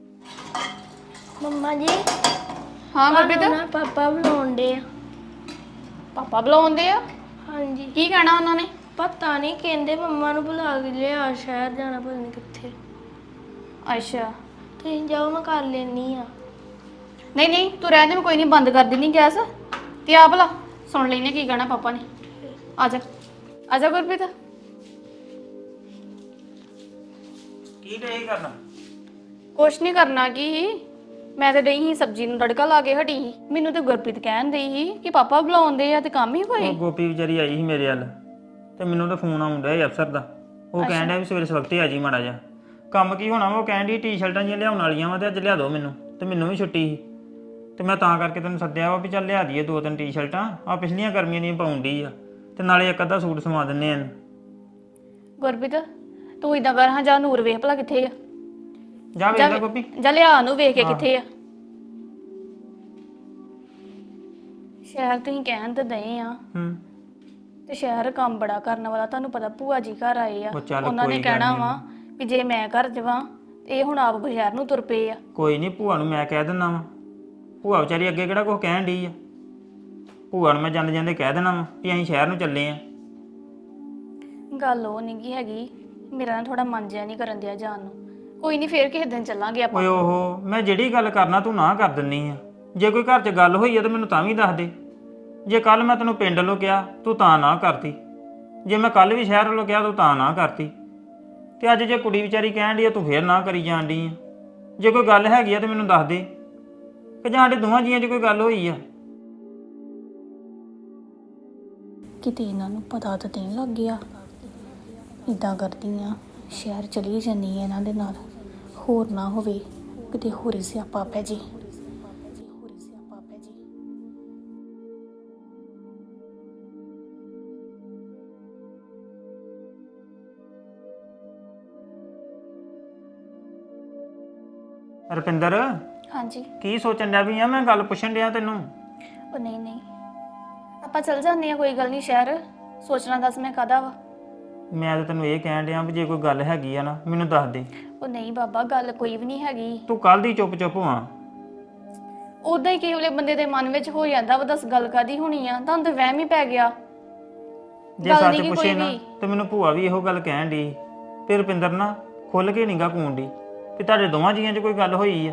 ਮੰਮਾ ਜੀ
ਹਾਂ ਗੁਰਪ੍ਰੀਤ,
ਤੁਹਾਨੂੰ ਨਾ ਪਾਪਾ ਬੁਲਾਉਂਦੇ ਆ।
ਪਾਪਾ ਬੁਲਾਉਂਦੇ ਆ?
ਹਾਂਜੀ
ਕੀ ਕਹਿਣਾ ਉਹਨਾਂ ਨੇ?
ਪਤਾ ਨਹੀਂ, ਕਹਿੰਦੇ ਮੰਮਾ ਨੂੰ ਬੁਲਾ ਕੇ ਲਿਆ, ਸ਼ਹਿਰ ਜਾਣਾ ਪਤਾ ਨਹੀਂ ਕਿੱਥੇ।
ਅੱਛਾ,
ਤੁਸੀਂ ਜਾਓ, ਮੈਂ ਕਰ ਲੈਣੀ ਆ।
ਨਹੀਂ ਨਹੀਂ ਤੂੰ ਰਹਿਣ ਦੇ, ਮੈਂ ਕੋਈ ਨਹੀਂ ਬੰਦ ਕਰ ਦਿੰਨੀ ਗੈਸ। ਤੇ ਆ ਭਲਾ ਸੁਣ ਲੈਨੇ ਕੀ ਕਹਿਣਾ ਪਾਪਾ ਨੇ। ਆ ਜਾ ਆ ਜਾ ਗੁਰਪ੍ਰੀਤ।
ਕੀ ਡੇ ਕਰਨਾ?
ਕੁਛ ਨਹੀਂ ਕਰਨਾ, ਕੀ ਮੈਂ ਤੇ ਡਈ ਸੀ ਸਬਜ਼ੀ ਨੂੰ ਤੜਕਾ ਲਾ ਕੇ ਹਟੀ ਸੀ। ਮੈਨੂੰ ਤੇ ਗੁਰਪ੍ਰੀਤ ਕਹਿਣ ਡਈ ਸੀ ਕਿ ਪਾਪਾ ਬੁਲਾਉਂਦੇ ਆ ਤੇ ਕੰਮ ਹੀ ਕੋਈ।
ਉਹ ਗੋਪੀ ਵਿਚਾਰੀ ਆਈ ਸੀ ਮੇਰੇ ਵੱਲ ਤੇ ਮੈਨੂੰ ਤਾਂ ਫੋਨ ਆਉਣ ਡਿਆ ਸੀ ਅਫਸਰ ਦਾ। ਉਹ ਕਹਿਣ ਡਿਆ ਵੀ ਸਵੇਰੇ ਸਵਖਤੇ ਆ ਜੀ ਮਾੜਾ ਜਿਹਾ। ਕੰਮ ਕੀ ਹੋਣਾ ਵਾ, ਉਹ ਕਹਿਣ ਡਈ ਟੀ-ਸ਼ਰਟਾਂ ਜਿਹੀਆਂ ਲਿਆਉਣ ਵਾਲੀਆਂ ਵਾ ਤੇ ਅੱਜ ਲਿਆ ਦਿਓ ਮੈਨੂੰ, ਤੇ ਮੈਨੂੰ ਵੀ ਛੁੱਟੀ ਸੀ ਤੇ ਮੈਂ ਤਾਂ ਕਰਕੇ ਤੈਨੂੰ ਸੱਦਿਆ ਵਾ ਵੀ ਚੱਲ ਲਿਆ ਦਈਏ ਦੋ ਤਿੰਨ ਟੀ-ਸ਼ਰਟਾਂ, ਆ ਪਿਛਲੀਆਂ ਗਰਮੀਆਂ ਦੀਆਂ ਪਾਉਣ ਡਈ ਆ, ਤੇ ਨਾਲੇ ਇੱਕ ਅੱਧਾ ਸੂਟ ਸਮਾ ਦਿੰਨੇ ਆ।
ਗੁਰਪ੍ਰੀਤ ਤੂੰ ਇਦਾਂ ਕਰ, ਹਾਂ ਜਾ ਨੂਰ ਵੇਖ ਭਲਾ ਕਿੱਥੇ ਆ।
ਜਾ ਵੇਖ ਲੈ ਗੋਪੀ।
ਜਾ ਲਿਆ ਨੂੰ ਵੇਖ ਕੇ ਕਿੱਥੇ ਆ। ਸ਼ਹਿਰ ਤੁਸੀਂ ਕਹਿਣ ਤੇ ਦਏ ਆ
ਹੂੰ
ਤੇ ਸ਼ਹਿਰ ਕੰਮ ਬੜਾ ਕਰਨ ਵਾਲਾ, ਤੁਹਾਨੂੰ ਪਤਾ ਭੂਆ ਜੀ ਘਰ ਆਏ ਆ,
ਉਹ ਚੱਲ
ਉਹਨਾਂ ਨੇ
ਕੋਈ ਗੱਲ
ਕਹਿਣਾ
ਨੀ।
ਵਾ ਵੀ ਜੇ ਮੈਂ ਘਰ ਜਾਵਾਂ ਤੇ ਇਹ ਹੁਣ ਆਪ ਸ਼ਹਿਰ ਨੂੰ ਤੁਰ ਪਏ ਆ।
ਕੋਈ ਨਹੀਂ, ਭੂਆ ਨੂੰ ਮੈਂ ਕਹਿ ਦਿੰਦਾ ਵਾ। ਭੂਆ ਵਿਚਾਰੀ ਅੱਗੇ ਕਿਹੜਾ ਕੁਛ ਕਹਿਣ ਡਈ ਆ। ਭੂਆ ਨੂੰ ਮੈਂ ਜਾਂਦੇ ਜਾਂਦੇ ਕਹਿ ਦੇਣਾ ਵਾ ਵੀ ਅਸੀਂ ਸ਼ਹਿਰ ਨੂੰ ਚੱਲੇ ਆ।
ਗੱਲ ਉਹ ਨਹੀਂ ਗੀ ਹੈਗੀ, ਮੇਰਾ ਨਾ ਥੋੜਾ ਮਨ ਜਿਹਾ ਨਹੀਂ ਕਰਨ ਦਿਆ ਜਾਣ ਨੂੰ। ਕੋਈ ਨਹੀਂ, ਫੇਰ ਕਿਸੇ ਦਿਨ ਚੱਲਾਂਗੇ ਆਪਾਂ।
ਓਏ ਓਹੋ, ਮੈਂ ਜਿਹੜੀ ਗੱਲ ਕਰਨਾ ਤੂੰ ਨਾ ਕਰ ਦਿੰਨੀ ਆ। ਜੇ ਕੋਈ ਘਰ 'ਚ ਗੱਲ ਹੋਈ ਆ ਤਾਂ ਮੈਨੂੰ ਤਾਂ ਵੀ ਦੱਸ ਦੇ। ਜੇ ਕੱਲ ਮੈਂ ਤੈਨੂੰ ਪਿੰਡ ਵੱਲੋਂ ਕਿਹਾ ਤੂੰ ਤਾਂ ਨਾ ਕਰਤੀ, ਜੇ ਮੈਂ ਕੱਲ ਵੀ ਸ਼ਹਿਰ ਵੱਲੋਂ ਕਿਹਾ ਤੂੰ ਤਾਂ ਨਾ ਕਰਤੀ, ਤੇ ਅੱਜ ਜੇ ਕੁੜੀ ਵਿਚਾਰੀ ਕਹਿਣ ਡਈ ਆ ਤੂੰ ਫੇਰ ਨਾ ਕਰੀ ਜਾਣ ਡਈ ਆ। ਜੇ ਕੋਈ ਗੱਲ ਹੈਗੀ ਆ ਤੇ ਮੈਨੂੰ ਦੱਸ ਦੇ, ਕਿ ਜਾਂ ਸਾਡੇ ਦੋਵਾਂ ਜੀਆਂ 'ਚ ਕੋਈ ਗੱਲ ਹੋਈ ਆ।
ਕਿਤੇ ਇਹਨਾਂ ਨੂੰ ਪਤਾ ਤਾਂ ਨਹੀਂ ਲੱਗ ਗਿਆ। ਇਦਾਂ ਕਰਦੀ ਆ, ਸ਼ਹਿਰ ਚਲੀ ਜਾਂਦੀ ਆ ਇਹਨਾਂ ਦੇ ਨਾਲ, ਹੋਰ ਨਾ ਹੋਵੇ ਕਿਤੇ ਹੋਰੇ ਸਿਆਪਾ ਪੈ ਜੇ।
ਰੁਪਿੰਦਰ,
ਹਾਂਜੀ।
ਕੀ ਸੋਚਣ ਡਿਆ ਵੀ ਆ? ਮੈਂ ਗੱਲ ਪੁੱਛਣ ਡਿਆ ਤੈਨੂੰ।
ਉਹ ਨਹੀਂ ਨਹੀਂ, ਆਪਾਂ ਚੱਲ ਜਾਂਦੇ ਆ, ਕੋਈ ਗੱਲ ਨਹੀਂ ਸ਼ਹਿਰ। ਸੋਚਣਾ ਦੱਸ ਮੈਂ ਕਾਹਦਾ ਵਾ।
ਮੈਂ ਤਾਂ ਤੈਨੂੰ ਇਹ ਕਹਿਣ ਡਿਆ ਵੀ ਜੇ ਕੋਈ ਗੱਲ ਹੈਗੀ ਆ ਨਾ ਮੈਨੂੰ ਦੱਸ ਦੇ।
ਉਹ ਨਹੀਂ ਬਾਬਾ, ਗੱਲ ਕੋਈ ਵੀ ਨਹੀਂ ਹੈਗੀ।
ਤੂੰ ਕੱਲ ਦੀ ਚੁੱਪ ਚੁੱਪ ਹੋਵਾਂ।
ਉਦਾਂ ਹੀ ਕਿਸੇ ਵੇਲੇ ਬੰਦੇ ਦੇ ਮਨ ਵਿੱਚ ਹੋ ਜਾਂਦਾ ਵਾ, ਦੱਸ ਗੱਲ ਕਾਦੀ ਹੋਣੀ ਆ, ਤੁਹਾਨੂੰ ਤਾਂ ਵਹਿਮ ਹੀ ਪੈ ਗਿਆ।
ਜੇ
ਗੱਲ
ਸੱਚ
ਨੀ ਗੀ
ਪੁੱਛੇ
ਕੋਈ
ਨਾ
ਵੀ।
ਤੇ ਮੈਨੂੰ ਭੂਆ ਵੀ ਇਹੋ ਗੱਲ ਕਹਿਣ ਡਈ ਤੇ ਰੁਪਿੰਦਰ ਨਾ ਖੁੱਲ ਕੇ ਨੀਗਾ ਕੂਣ ਡਈ ਕਿ ਤੁਹਾਡੇ ਦੋਵਾਂ ਜੀਆਂ 'ਚ ਕੋਈ ਗੱਲ ਹੋਈ ਆ।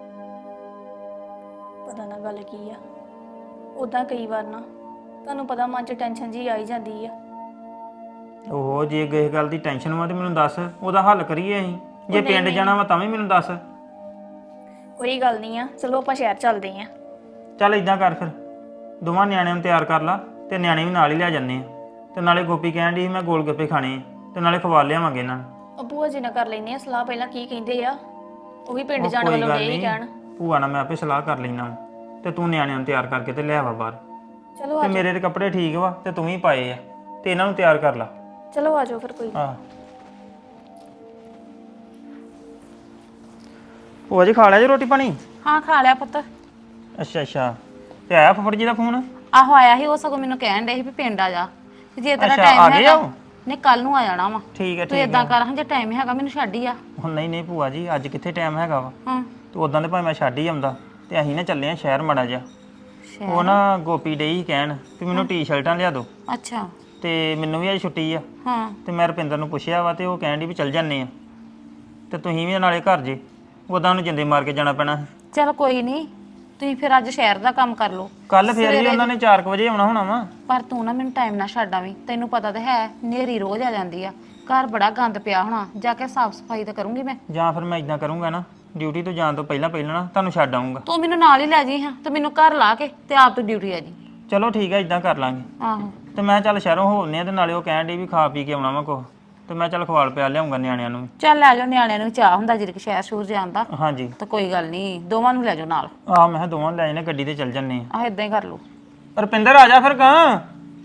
ਪਤਾ ਨਾ ਗੱਲ ਕੀ ਆ। ਉਦਾਂ ਕਈ ਵਾਰ ਨਾ ਤੁਹਾਨੂੰ ਪਤਾ ਮਨ 'ਚ ਟੈਨਸ਼ਨ ਜੀ ਆਈ ਜਾਂਦੀ ਆ।
ਉਹ ਜੇ ਕਿਸੇ ਗੱਲ ਦੀ ਟੈਨਸ਼ਨ ਵਾ ਤੇ ਮੈਨੂੰ ਦੱਸ, ਉਹਦਾ ਹੱਲ ਕਰੀਏ ਅਸੀਂ। ਜੇ
ਨਹੀਂ,
ਪਿੰਡ
ਨਹੀਂ।
ਜਾਣਾ ਵਾ ਤਾਂ ਵੀ ਮੈਨੂੰ ਦੱਸ।
ਕੋਈ ਗੱਲ ਨਹੀਂ ਆ, ਚਲੋ ਆਪਾਂ ਸ਼ਹਿਰ ਚੱਲਦੇ ਆ।
ਚੱਲ ਇਦਾਂ ਕਰ ਫਿਰ, ਦੋਵਾਂ ਨਿਆਣਿਆਂ ਨੂੰ ਤਿਆਰ ਕਰ ਲਾ ਤੇ ਨਿਆਣੇ ਵੀ ਨਾਲ ਹੀ ਲਿਆ ਜੰਨੇ ਆ। ਤੇ ਨਾਲੇ ਗੋਪੀ ਕਹਿਣ ਡਈ ਸੀ ਮੈਂ ਗੋਲ ਗੱਪੇ ਖਾਣੇ ਆ ਤੇ ਨਾਲੇ ਖਵਾ ਲਿਆਵਾਂਗੇ ਇਹਨਾਂ ਨੂੰ।
ਉਹ ਭੂਆ ਜੀ ਨਾਲ ਕਰ ਲੈਨੇ ਆ ਸਲਾਹ, ਪਹਿਲਾਂ ਕੀ ਕਹਿੰਦੇ ਆ। ਉਹ ਵੀ ਪਿੰਡ
ਉਹ
ਜਾਣ
ਕੋਈ
ਵੱਲੋਂ
ਗੱਲ
ਇਹ ਹੀ
ਨੀ,
ਕਹਿਣ।
ਭੂਆ ਨਾਲ ਮੈਂ ਆਪੇ ਸਲਾਹ ਕਰ ਲੈਣਾ ਤੇ ਤੂੰ ਨਿਆਣਿਆਂ ਨੂੰ ਤਿਆਰ ਕਰਕੇ ਤੇ ਲੈ ਆਵਾ ਬਾਹਰ।
ਚਲੋ
ਤੇ
ਆ
ਮੇਰੇ ਤੇ ਕੱਪੜੇ ਠੀਕ ਵਾ ਤੇ ਤੂੰ ਵੀ ਪਾਏ ਆ ਤੇ ਇਹਨਾਂ ਨੂੰ ਤਿਆਰ ਕਰ ਲਾ।
ਚਲੋ ਆ ਜਾਓ ਫਿਰ। ਕੋਈ
ਆਹ ਭੂਆ ਜੀ ਖਾ ਲਿਆ ਜੀ ਰੋਟੀ ਪਾਣੀ?
ਹਾਂ ਖਾ ਲਿਆ ਪੁੱਤ।
ਅੱਛਾ ਅੱਛਾ, ਤੇ ਆਇਆ ਫੁੱਫੜ ਜੀ ਦਾ ਫੋਨ?
ਆਹੋ ਆਇਆ ਸੀ, ਉਹ ਸਗੋਂ ਮੈਨੂੰ ਕਹਿਣ ਡੇ ਸੀ ਵੀ ਪਿੰਡ ਆ ਜਾ, ਤੇ ਜੇ ਤੇਰਾ
ਅੱਛਾ,
ਟਾਈਮ
ਆ ਗਏ
ਹੈਗਾ
ਉਹ?
ਨਹੀਂ ਕੱਲ ਨੂੰ ਆ ਜਾਣਾ ਵਾ।
ਠੀਕ ਹੈ
ਤੂੰ
ਠੀਕ
ਇਦਾਂ
ਹੈ।
ਕਰ, ਹਾਂ ਜੇ ਟਾਈਮ ਹੈਗਾ ਮੈਨੂੰ ਛੱਡ ਹੀ ਆ।
ਹੁਣ ਨਹੀਂ ਨਹੀਂ ਭੂਆ ਜੀ, ਅੱਜ ਕਿੱਥੇ ਟਾਈਮ ਹੈਗਾ ਵਾ।
ਹਾਂ
ਤੇ ਉਦਾਂ ਦੇ ਭਾਵੇਂ ਮੈਂ ਛੱਡ ਹੀ ਆਉਂਦਾ ਤੇ ਅਸੀਂ ਨਾ ਚੱਲੇ ਆ ਸ਼ਹਿਰ ਮਾੜਾ ਜਿਹਾ।
ਸ਼ਹਿਰ?
ਉਹ ਨਾ ਗੋਪੀ ਡਈ ਸੀ ਕਹਿਣ ਵੀ ਮੈਨੂੰ ਟੀ-ਸ਼ਰਟਾਂ ਲਿਆ ਦਿਓ
ਅੱਛਾ।
ਤੇ ਮੈਨੂੰ ਵੀ ਅੱਜ ਛੁੱਟੀ ਆ।
ਹਾਂ
ਤੇ ਮੈਂ ਰੁਪਿੰਦਰ ਨੂੰ ਪੁੱਛਿਆ ਵਾ ਤੇ ਉਹ ਕਹਿਣ ਡਈ ਵੀ ਚੱਲ ਜਾਂਦੇ ਆ ਤੇ ਤੁਸੀਂ ਵੀ ਨਾਲੇ ਘਰ ਜੇ। ਉਦਾਂ ਨੂੰ ਜਿੰਦੇ ਮਾਰ ਕੇ ਜਾਣਾ ਪੈਣਾ।
ਚਲ ਕੋਈ ਨਹੀਂ, ਤੁਸੀਂ ਫਿਰ ਅੱਜ ਸ਼ਹਿਰ ਦਾ ਕੰਮ ਕਰ ਲਓ।
ਕੱਲ ਫੇਰ ਵੀ ਉਹਨਾਂ ਨੇ ਚਾਰ ਕੁ ਵਜੇ ਆਉਣਾ ਹੋਣਾ ਵਾ।
ਪਰ ਤੂੰ ਨਾ ਮੈਨੂੰ ਟਾਈਮ ਨਾਲ ਛੱਡ ਆਵੀਂ, ਤੈਨੂੰ ਪਤਾ ਤਾਂ ਹੈ ਨੇਰੀ ਰੋਜ਼ ਆ ਜਾਂਦੀ ਆ, ਘਰ ਬੜਾ ਗੰਦ ਪਿਆ ਹੋਣਾ, ਜਾ ਕੇ ਸਾਫ਼ ਸਫਾਈ ਤਾਂ ਕਰੂੰਗੀ ਮੈਂ।
ਜਾਂ ਫਿਰ ਮੈਂ ਇਦਾਂ ਕਰੂੰਗਾ ਨਾ, ਡਿਊਟੀ ਤੋਂ ਜਾਣ ਤੋਂ ਪਹਿਲਾਂ ਪਹਿਲਾਂ ਨਾ ਤੁਹਾਨੂੰ ਛੱਡ ਆਉਂਗਾ।
ਤੂੰ ਮੈਨੂੰ ਨਾਲ ਹੀ ਲੈ ਜੀ ਹਾਂ, ਤੇ ਮੈਨੂੰ ਘਰ ਲਾ ਕੇ ਤੇ ਆਪ ਤੂੰ ਡਿਊਟੀ ਆ ਜੀ।
ਚਲੋ ਠੀਕ ਹੈ, ਇਦਾਂ ਕਰ ਲਾਂਗੇ।
ਆਹੋ
ਤੇ ਮੈਂ ਚੱਲ ਸ਼ਹਿਰੋਂ ਹੋਣੇ ਆ ਤੇ ਨਾਲੇ ਉਹ ਕਹਿਣ ਡਈ ਵੀ ਖਾ ਪੀ ਕੇ ਆਉਣਾ ਵਾ ਕੁਛ। ਤੇ ਮੈਂ ਚੱਲ ਖਵਾਲ ਪਿਆ ਲਿਆਉਂਗਾ ਨਿਆਣਿਆਂ ਨੂੰ ਵੀ।
ਚੱਲ ਲੈ ਜਾਓ, ਨਿਆਣਿਆਂ ਨੂੰ ਵੀ ਚਾਹ ਹੁੰਦਾ ਜਿਹੜੇ ਸ਼ਹਿਰ ਸ਼ੂਰ ਜਾਣ ਦਾ।
ਹਾਂਜੀ
ਤਾਂ ਕੋਈ ਗੱਲ ਨਹੀਂ, ਦੋਵਾਂ ਨੂੰ ਲੈ ਜਾਓ ਨਾਲ।
ਆਹ ਮੈਂ ਕਿਹਾ ਦੋਵਾਂ ਨੂੰ ਲੈ ਜਾਣੇ, ਗੱਡੀ ਤੇ ਚੱਲ ਜੰਨੇ ਆ।
ਆਹ ਇਦਾਂ ਹੀ ਕਰ ਲਓ।
ਰੁਪਿੰਦਰ ਆ ਜਾ ਫਿਰ ਕਾਂ।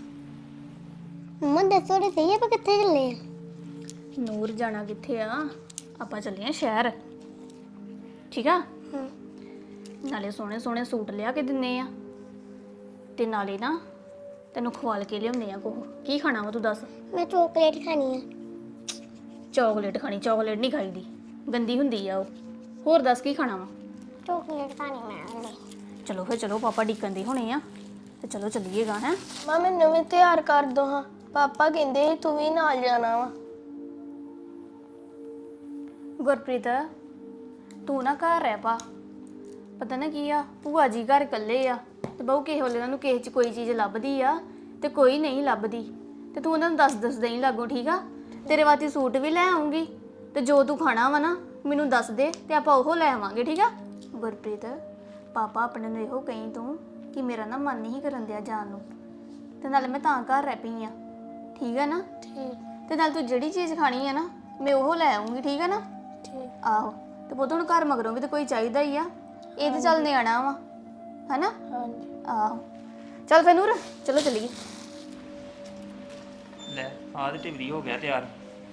ਮੰਮਾ ਦੱਸੋ ਤੇ ਸਹੀ ਆਪਾਂ ਕਿੱਥੇ ਚੱਲੇ ਆ?
ਨੂਰ ਜਾਣਾ ਕਿੱਥੇ ਆ, ਆਪਾਂ ਚੱਲੇ ਆ ਸ਼ਹਿਰ। ਠੀਕ ਆ। ਨਾਲੇ ਸੋਹਣੇ ਸੋਹਣੇ ਸੂਟ ਲਿਆ ਕੇ ਦਿੰਨੇ ਆ, ਤੇ ਨਾਲੇ ਨਾ ਤੈਨੂੰ ਖਵਾਲ ਕੇ ਲਿਆਉਂਦੇ ਆ। ਕੋਹ ਕੀ ਖਾਣਾ ਵਾ ਤੂੰ ਦੱਸ?
ਮੈਂ ਚਾਕਲੇਟ ਖਾਣੀ ਆ।
ਚਾਕਲੇਟ ਖਾਣੀ? ਚਾਕਲੇਟ ਨਹੀਂ ਖਾਈਦੀ, ਗੰਦੀ ਹੁੰਦੀ ਆ ਉਹ। ਹੋਰ ਦੱਸ ਕੀ ਖਾਣਾ ਵਾ?
ਚਾਕਲੇਟ ਖਾਣੀ ਮੈਂ।
ਚਲੋ ਫਿਰ ਚਲੋ, ਪਾਪਾ ਡੀਕਨ ਦੇ ਹੋਣੇ ਆ, ਤੇ ਚਲੋ ਚੱਲੀਏਗਾ। ਹੈ
ਮਾਂ ਮੈਨੂੰ ਵੀ ਤਿਆਰ ਕਰ ਦੋ ਹਾਂ, ਪਾਪਾ ਕਹਿੰਦੇ ਸੀ ਤੂੰ ਵੀ ਨਾਲ ਜਾਣਾ ਵਾ।
ਗੁਰਪ੍ਰੀਤ, ਤੂੰ ਨਾ ਘਰ ਰਹਿ ਪਾ। ਪਤਾ ਨਾ ਕੀ ਆ, ਭੂਆ ਜੀ ਘਰ ਇਕੱਲੇ ਆ, ਤੇ ਬਹੁ ਕਿਸੇ ਵੇਲੇ ਉਹਨਾਂ ਨੂੰ ਕਿਸੇ 'ਚ ਕੋਈ ਚੀਜ਼ ਲੱਭਦੀ ਆ ਤੇ ਕੋਈ ਨਹੀਂ ਲੱਭਦੀ, ਤੇ ਤੂੰ ਉਹਨਾਂ ਨੂੰ ਦੱਸ ਦੱਸ ਦੇਈ ਲੱਗੋ। ਠੀਕ ਆ? ਤੇਰੇ ਵਾਸਤੇ ਸੂਟ ਵੀ ਲੈ ਆਉਂਗੀ, ਤੇ ਜੋ ਤੂੰ ਖਾਣਾ ਵਾ ਨਾ ਮੈਨੂੰ ਦੱਸ ਦੇ, ਤੇ ਆਪਾਂ ਉਹ ਲੈ ਆਵਾਂਗੇ। ਠੀਕ ਆ? ਗੁਰਪ੍ਰੀਤ, ਪਾਪਾ ਆਪਣੇ ਨੂੰ ਇਹੋ ਕਹੀਂ ਤੂੰ ਕਿ ਮੇਰਾ ਨਾ ਮਨ ਨਹੀਂ ਕਰਨ ਦਿਆ ਜਾਣ ਨੂੰ, ਤੇ ਨਾਲੇ ਮੈਂ ਤਾਂ ਘਰ ਰਹਿ ਪਈ ਆ। ਠੀਕ ਆ ਨਾ?
ਠੀਕ
ਤੇ ਨਾਲ ਤੂੰ ਜਿਹੜੀ ਚੀਜ਼ ਖਾਣੀ ਆ ਨਾ ਮੈਂ ਉਹ ਲੈ ਆਉਂਗੀ। ਠੀਕ ਆ ਨਾ?
ਠੀਕ।
ਆਹੋ, ਤੇ ਪੁੱਤ ਹੁਣ ਘਰ ਮਗਰੋਂ ਵੀ ਤਾਂ ਕੋਈ ਚਾਹੀਦਾ ਹੀ ਆ, ਇਹ ਤੇ ਚੱਲ ਨਿਆਣਾ ਵਾ, ਹਨਾ?
ਹਾਂਜੀ।
ਆਹੋ, ਚੱਲ ਫਿਰ ਨੂਰ, ਚਲੋ ਚੱਲੀਏ।
ਲੈ ਆਹ ਤੇ ਢਿਵਰੀ ਹੋ ਗਿਆ ਤਿਆਰ।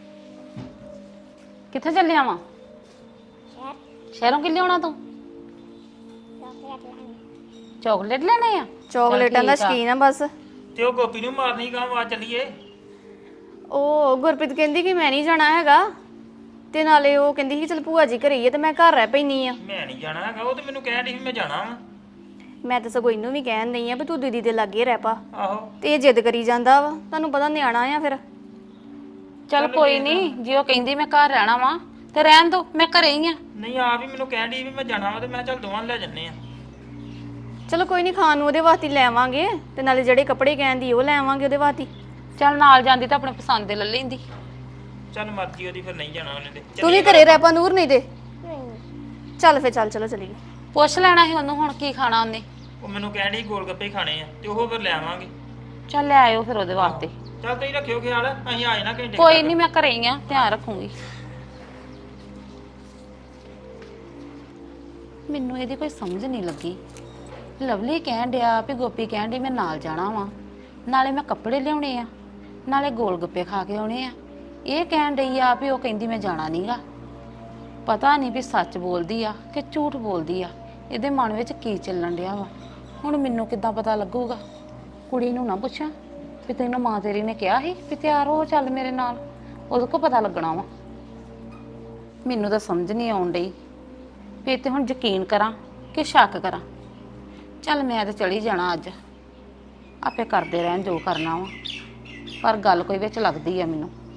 ਕਿੱਥੇ ਚੱਲਿਆ ਵਾਂ? ਸ਼ਹਿਰੋਂ ਕਿ ਲਿਆਉਣਾ ਤੂੰ? ਚਾਕਲੇਟ ਲੈਣੇ ਆ?
ਚਾਕਲੇਟਾਂ ਦਾ ਸ਼ਕੀਨ ਆ ਬਸ।
ਤੇ ਉਹ ਗੋਪੀ ਨੂੰ ਮਾਰਨੀ ਕਾਂ, ਆ ਚੱਲੀਏ।
ਉਹ ਗੁਰਪ੍ਰੀਤ ਕਹਿੰਦੀ ਕਿ ਮੈਂ ਨਹੀਂ ਜਾਣਾ ਹੈਗਾ, ਤੇ ਨਾਲੇ ਉਹ ਕਹਿੰਦੀ ਸੀ ਚਲ ਭੂਆ ਜੀ ਘਰੇ ਹੀ ਆ, ਤੇ ਮੈਂ ਘਰ ਰਹਿ ਪੈਣੀ ਆ।
ਮੈਂ ਨਹੀਂ ਜਾਣਾ ਹੈਗਾ, ਉਹ ਤੇ ਮੈਨੂੰ ਕਹਿਣ ਡਈ ਸੀ ਮੈਂ ਜਾਣਾ ਵਾ।
ਮੈਂ ਤਾਂ ਸਗੋਂ ਇਹਨੂੰ ਵੀ ਕਹਿਣ ਦਈ ਆ ਵੀ ਤੂੰ ਦੀਦੀ ਦੇ ਲਾਗੇ ਰਹਿ ਪਾ,
ਆਹੋ
ਤੇ ਇਹ ਜਿੱਦ ਕਰੀ ਜਾਂਦਾ ਵਾ। ਤੁਹਾਨੂੰ ਪਤਾ ਨਿਆਣਾ ਆ ਫਿਰ।
ਚੱਲ ਕੋਈ ਨਹੀਂ, ਜੇ ਉਹ ਕਹਿੰਦੀ ਮੈਂ ਘਰ ਰਹਿਣਾ ਵਾਂ ਤੇ ਰਹਿਣ ਦੋ, ਮੈਂ ਘਰੇ ਹੀ ਆ।
ਨਹੀਂ, ਆ ਵੀ ਮੈਨੂੰ ਕਹਿਣ ਡਈ ਵੀ ਮੈਂ ਜਾਣਾ ਵਾ, ਤੇ ਮੈਂ ਚੱਲ ਦੋਵਾਂ ਨੂੰ ਲੈ ਜੰਨੇ ਆ।
ਚਲੋ ਕੋਈ ਨਹੀਂ, ਖਾਣ ਨੂੰ ਉਹਦੇ ਵਾਸਤੇ ਲੈ ਆਵਾਂਗੇ, ਤੇ ਨਾਲੇ ਜਿਹੜੇ ਕੱਪੜੇ ਕਹਿੰਦੀ ਉਹ ਲੈ ਆਵਾਂਗੇ ਉਹਦੇ ਵਾਸਤੇ।
ਚੱਲ ਨਾਲ ਜਾਂਦੀ ਤਾਂ ਆਪਣੇ ਪਸੰਦ ਦੇ ਲੈ ਲੈਂਦੀ।
ਚੱਲ ਮਰਜ਼ੀ ਉਹਦੀ, ਫਿਰ ਨਹੀਂ ਜਾਣਾ ਉਹਨੇ ਤੇ।
ਤੂੰ ਵੀ ਘਰੇ ਰਹਿ ਪਾ ਨੂਰ, ਨਹੀਂ ਤੇ ਚੱਲ ਫਿਰ, ਚੱਲ ਚਲੋ ਚੱਲੀਏ।
ਪੁੱਛ ਲੈਣਾ ਸੀ ਉਹਨੂੰ ਹੁਣ ਕੀ ਖਾਣਾ ਉਹਨੇ।
ਉਹ ਮੈਨੂੰ ਕਹਿਣ ਡਈ ਗੋਲ ਗੱਪੇ ਹੀ ਖਾਣੇ ਆ, ਤੇ ਉਹ ਫਿਰ ਲੈ ਆਵਾਂਗੇ।
ਚੱਲ ਲੈ ਆਇਓ ਫਿਰ ਉਹਦੇ ਵਾਸਤੇ।
ਚੱਲ ਤੁਸੀਂ ਰੱਖਿਓ ਖਿਆਲ, ਅਸੀਂ ਆ ਜਾਣਾ ਘੰਟੇ
ਕੋਈ ਨਹੀਂ, ਮੈਂ ਘਰੇ ਹੀ ਆ, ਧਿਆਨ ਰੱਖੂੰਗੀ। ਮੈਨੂੰ ਇਹਦੀ ਕੋਈ ਸਮਝ ਨਹੀਂ ਲੱਗੀ। ਲਵਲੀ ਕਹਿਣ ਡਿਆ ਵੀ ਗੋਪੀ ਕਹਿਣ ਡਈ ਮੈਂ ਨਾਲ ਜਾਣਾ ਵਾਂ, ਨਾਲੇ ਮੈਂ ਕੱਪੜੇ ਲਿਆਉਣੇ ਆ, ਨਾਲੇ ਗੋਲ ਗੱਪੇ ਖਾ ਕੇ ਆਉਣੇ ਆ। ਇਹ ਕਹਿਣ ਡਈ ਆ ਵੀ ਉਹ ਕਹਿੰਦੀ ਮੈਂ ਜਾਣਾ ਨਹੀਂਗਾ। ਪਤਾ ਨਹੀਂ ਵੀ ਸੱਚ ਬੋਲਦੀ ਆ ਕਿ ਝੂਠ ਬੋਲਦੀ ਆ, ਇਹਦੇ ਮਨ ਵਿੱਚ ਕੀ ਚੱਲਣ ਡਿਆ ਵਾ। ਹੁਣ ਮੈਨੂੰ ਕਿੱਦਾਂ ਪਤਾ ਲੱਗੂਗਾ? ਕੁੜੀ ਨੂੰ ਨਾ ਪੁੱਛਾਂ ਵੀ ਤੈਨੂੰ ਮਾਂ ਤੇਰੀ ਨੇ ਕਿਹਾ ਸੀ ਵੀ ਤਿਆਰ ਹੋ ਚੱਲ ਮੇਰੇ ਨਾਲ, ਉਹਦੇ ਕੋ ਪਤਾ ਲੱਗਣਾ ਵਾ। ਮੈਨੂੰ ਤਾਂ ਸਮਝ ਨਹੀਂ ਆਉਣ ਡਈ ਵੀ ਤੇ ਹੁਣ ਯਕੀਨ ਕਰਾਂ ਕਿ ਸ਼ੱਕ ਕਰਾਂ। ਚੱਲ ਮੈਂ ਤਾਂ ਚਲੀ ਜਾਣਾ ਅੱਜ, ਆਪੇ ਕਰਦੇ ਰਹਿਣ ਜੋ ਕਰਨਾ ਵਾ, ਪਰ ਗੱਲ ਕੋਈ ਵਿੱਚ ਲੱਗਦੀ ਆ ਮੈਨੂੰ।